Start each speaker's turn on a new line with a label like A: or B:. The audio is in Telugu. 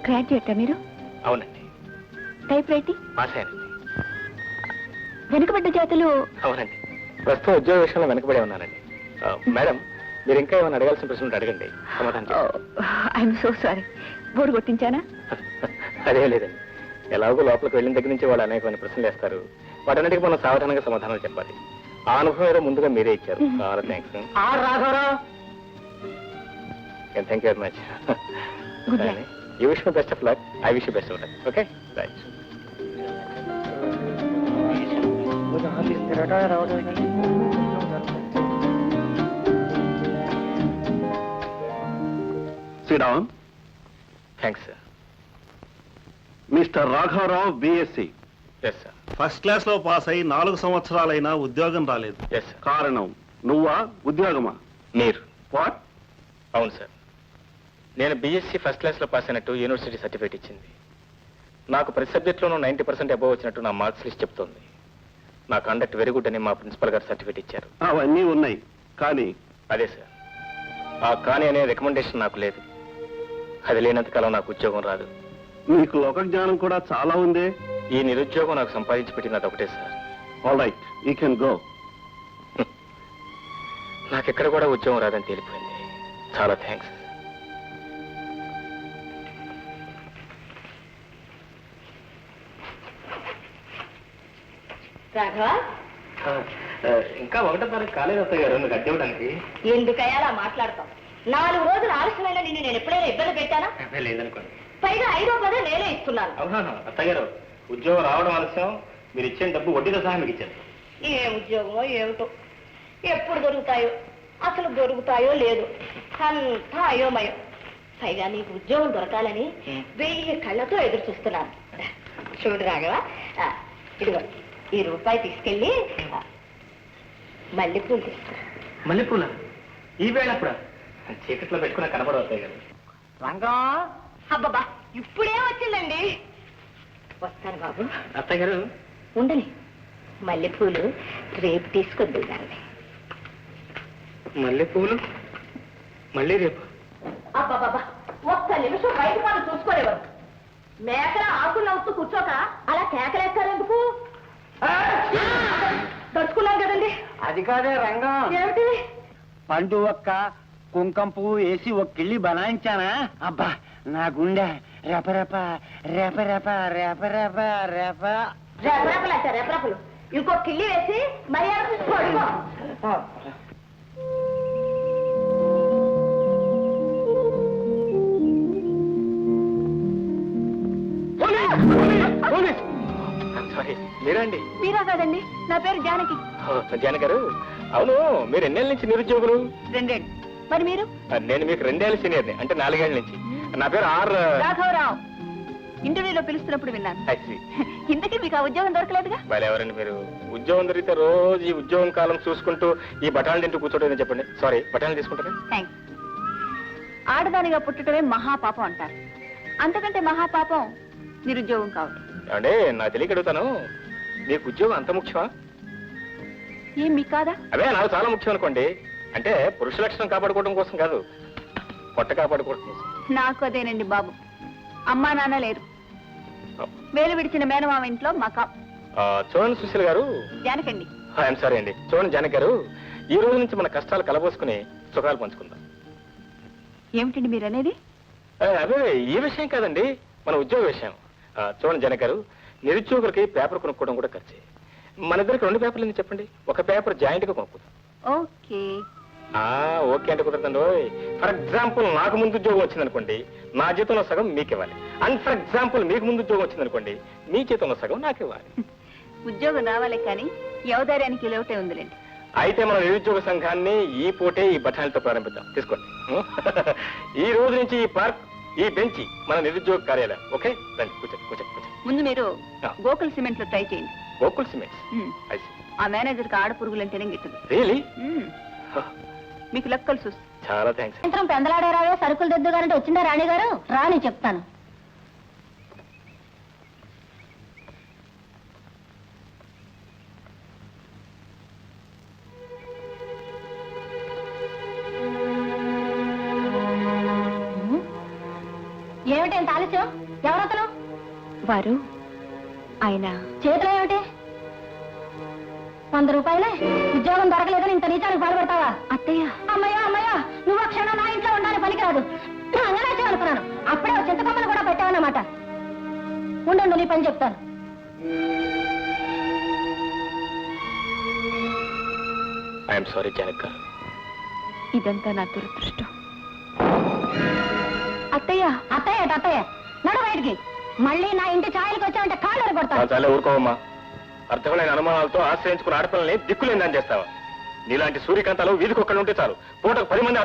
A: గ్రాడ్యుయేటా మీరు?
B: అవునండి.
A: Type writing?
B: పాస్ అయ్యానండి.
A: వెనుకబడ్డ జాతులు?
B: అవునండి. ప్రస్తుతం ఉద్యోగ విషయంలో వెనకబడే ఉన్నానండి. మేడం, మీరు ఇంకా ఏమైనా అడగాల్సిన ప్రశ్నలు అడగండి, సమాధానం
A: ఐఎమ్ సో సారీ. బోర్డు కొట్టించానా?
B: అదే లేదండి. ఎలాగో లోపలికి వెళ్ళిన దగ్గర నుంచి వాళ్ళు అనేకమైన ప్రశ్నలు వేస్తారు. వాటన్నిటికీ మనం సావధానంగా సమాధానాలు చెప్పాలి. ఆ అనుభవం ఏదో ముందుగా మీరే ఇచ్చారు. చాలా thanks. Thank you very much. You wish my best of luck. I wish you best of luck. Okay, right.
C: Sriram.
B: Thanks sir.
C: Mister రాఘవరావు, BSc.
B: Yes sir.
C: First class లో పాస్ అయి 4 సంవత్సరాలైనా ఉద్యోగం రాలేదు.
B: Yes sir.
C: కారణం నువ్వా, ఉద్యోగమా?
B: మీరు.
C: వాట్?
B: అవును సార్. నేను బీఎస్సీ ఫస్ట్ క్లాస్లో పాస్ అయినట్టు యూనివర్సిటీ సర్టిఫికేట్ ఇచ్చింది. నాకు ప్రతి సబ్జెక్ట్లోనూ 90% అబోవ్ వచ్చినట్టు నా మార్క్స్ లిస్ట్ చెప్తోంది. నా కండక్ట్ వెరీ గుడ్ అని మా ప్రిన్సిపల్ గారు సర్టిఫికేట్ ఇచ్చారు.
C: అవన్నీ ఉన్నాయి, కానీ
B: అదే సార్, ఆ కానీ అనే రికమెండేషన్ నాకు లేదు. అది లేనంత కాలం నాకు ఉద్యోగం రాదు.
C: నీకు లోక జ్ఞానం కూడా చాలా ఉందే.
B: ఈ నిరుద్యోగం నాకు సంపాదించి పెట్టినది ఒకటే sir.
C: All right, you can go.
B: నాకెక్కడ కూడా ఉద్యోగం రాదని తేలిపోయింది. చాలా థ్యాంక్స్.
A: రాఘవ,
B: ఇంకా 1వ తారీఖు కాలేదు అత్తయ్య గారు నువ్వు కట్టివ్వడానికి.
A: ఎందుకయ్యా అలా మాట్లాడతాం? 4 రోజులు ఆలస్యమైన నిన్ను నేను ఎప్పుడైనా ఇబ్బంది పెట్టానా?
B: లేదనుకోండి.
A: పైగా 5వ పదే నేనే ఇస్తున్నాను.
B: అవునా అత్తయ్య గారు, ఉద్యోగం రావడం ఆలస్యం, మీరు ఇచ్చిన డబ్బు వడ్డీతో సహా మీకు ఇచ్చారు.
A: ఏ ఉద్యోగమో ఏమిటో, ఎప్పుడు దొరుకుతాయో, అసలు దొరుకుతాయో లేదు, అంతా అయోమయం. పైగా నీకు ఉద్యోగం దొరకాలని 1000 కళ్ళతో ఎదురు చూస్తున్నాను. చూడు రాఘవ, ఇదిగో ఈ రూపాయి తీసుకెళ్ళి మల్లెపూలు తీసుకో.
B: మల్లెపూల ఈ వేళ అప్పుడు చీకట్లో పెట్టుకున్న కనబడవు అత్తయ్య గారు.
A: రంగా, అబ్బబ్బా ఇప్పుడే వచ్చిందండి. వస్తాను బాబు.
B: అత్తయ్య గారు
A: ఉండని, మల్లెపూలు రేపు తీసుకొద్దు దాన్ని.
B: మల్లెపూలు మళ్ళీ రేపు?
A: అబ్బాబాబా, ఒక్క నిమిషం బయట వాళ్ళు చూసుకోలేవారు. మేకల ఆకులు నవ్వుతూ కూర్చోక అలా కేకలేస్తారెందుకు? తడుచుకున్నాం కదండి.
D: అది కాదే రంగం,
A: ఏమిటి?
D: పండు ఒక్క కుంకం పువ్వు వేసి ఒక కిళ్ళి బనాయించానా, అబ్బా నా గుండె రెపరెప రెపరెప రెపరెప రెప.
A: రెపరెపలు అంటే రెపరెపలు. ఇంకో కిల్లి వేసి మర్యాద పడుకో.
B: సారీ, మీరండి?
A: మీరా కాదండి, నా పేరు జానకి.
B: జానకి గారు, అవును మీరు ఎన్నేళ్ళ నుంచి నిరుద్యోగులు?
A: 2 ఏళ్ళు. మరి మీరు?
B: నేను మీకు 2 ఏళ్ళ సీనియర్ని, అంటే 4 ఏళ్ళ నుంచి. నా పేరు
A: రాఘవరావు. ఇంటర్వ్యూలో పిలుస్తున్నప్పుడు విన్నాను. ఇంతకీ మీకు ఆ ఉద్యోగం దొరకలేదుగా?
B: ఎవరండి మీరు? ఉద్యోగం దొరికితే రోజు ఈ ఉద్యోగం కాలం చూసుకుంటూ ఈ బఠాలు తింటూ కూర్చోటం చెప్పండి. సారీ, బఠాలు తీసుకుంటారా?
A: థ్యాంక్స్. ఆడదానిగా పుట్టడమే మహాపాపం అంటారు. అంతకంటే మహాపాపం నిరుద్యోగం కావడం.
B: అంటే నాకు తెలియక అడుగుతాను, మీకు ఉద్యోగం అంత ముఖ్యమా?
A: ఏం మీకు కాదా?
B: అవే నాకు చాలా ముఖ్యం అనుకోండి. అంటే పురుష లక్షణం కాపాడుకోవడం కోసం కాదు, పొట్ట కాపాడుకోవడం కోసం.
A: నాకు అదేనండి బాబు. అమ్మా నాన్న లేరు, వేలు విడిచిన మేనమామ ఇంట్లో మకా.
B: చూడండి సుశీల్ గారు.
A: జానకండి.
B: ఐఎమ్ సారీ అండి. చూడండి జానకి గారు, ఈ రోజు నుంచి మన కష్టాలు కలబోసుకుని సుఖాలు పంచుకుందాం.
A: ఏమిటండి మీరు అనేది?
B: అదే ఈ విషయం కాదండి, మన ఉద్యోగ విషయం. చూడండి జానకి గారు, నిరుద్యోగులకి పేపర్ కొనుక్కోవడం కూడా ఖర్చే. మన ఇద్దరికి 2 పేపర్లు ఎందుకు చెప్పండి, ఒక పేపర్ జాయింట్ గా కొనుక్కుందాం.
A: ఓకే.
B: ఓకే అంటే కుదరదండి. ఫర్ ఎగ్జాంపుల్ నాకు ముందు ఉద్యోగం వచ్చిందనుకోండి, నా జీతంలో సగం మీకు ఇవ్వాలి. అండ్ ఫర్ ఎగ్జాంపుల్ మీకు ముందు ఉద్యోగం వచ్చిందనుకోండి, మీ జీతంలో సగం నాకు ఇవ్వాలి.
A: ఉద్యోగం రావాలి కానీ యవదార్యానికి లోటే ఉందిలేండి.
B: అయితే మన నిరుద్యోగ సంఘాన్ని ఈ పూటే ఈ బఠానీలతో ప్రారంభిద్దాం. తీసుకోండి. ఈ రోజు నుంచి ఈ పార్క్, ఈ బెంచి మన నిరుద్యోగ కార్యాలయం. ఓకే, రండి కూర్చోండి కూర్చోండి కూర్చోండి.
A: ముందు మీరు గోకుల్ సిమెంట్ లో ట్రై చేయండి.
B: గోకుల్ సిమెంట్స్?
A: ఆ మేనేజర్ కి ఆడపురుగులంటేనే గిట్టదు.
B: రియలీ?
A: మీకు లెక్కలు చూసి.
B: చాలా థ్యాంక్స్.
A: సాయంత్రం పెందలాడారావే సరుకులు దిద్దుగారంటే వచ్చిందా రాణి గారు? రాని చెప్తాను. ఏమిటంత ఆలస్యం? ఎవరతను?
E: వారు ఆయన
A: చేతిలో ఏమిటి? 100 రూపాయలే. ఉద్యోగం దొరకలేదని ఇంత నీచానికి బాధపడతావా?
E: అత్తయ్య
A: అమ్మయ్యా అమ్మయ్యా, నువ్వు ఆ క్షణం నా ఇంట్లో ఉండాలని పనికిరాదు. అంగనాచే అనుకున్నాను. అప్పుడే ఓ చింతకొమ్మను కూడా పెట్టావన్నమాట. ఉండండు, నీ పని చెప్తాను.
B: ఐఎమ్ సారీ జానక్ గారు.
E: ఇదంతా నా దురదృష్టం. అత్తయ్య
A: అత్తయ్య అత్తయ్య, నడు బయటికి. మళ్ళీ నా ఇంటి ఛాయలకు వచ్చావంటే కాళ్ళు కొడతాను.
B: చాలా ఊరుకోవమ్మా. అర్థమైన అనుమానాలతో ఆశ్రయించుకున్న ఆడపిల్లని దిక్కులేందని చేస్తావా? నీలాంటి సూర్యకాంతాలు వీధికొక్కడు ఉంటే చాలు, పూటకు 10 మంది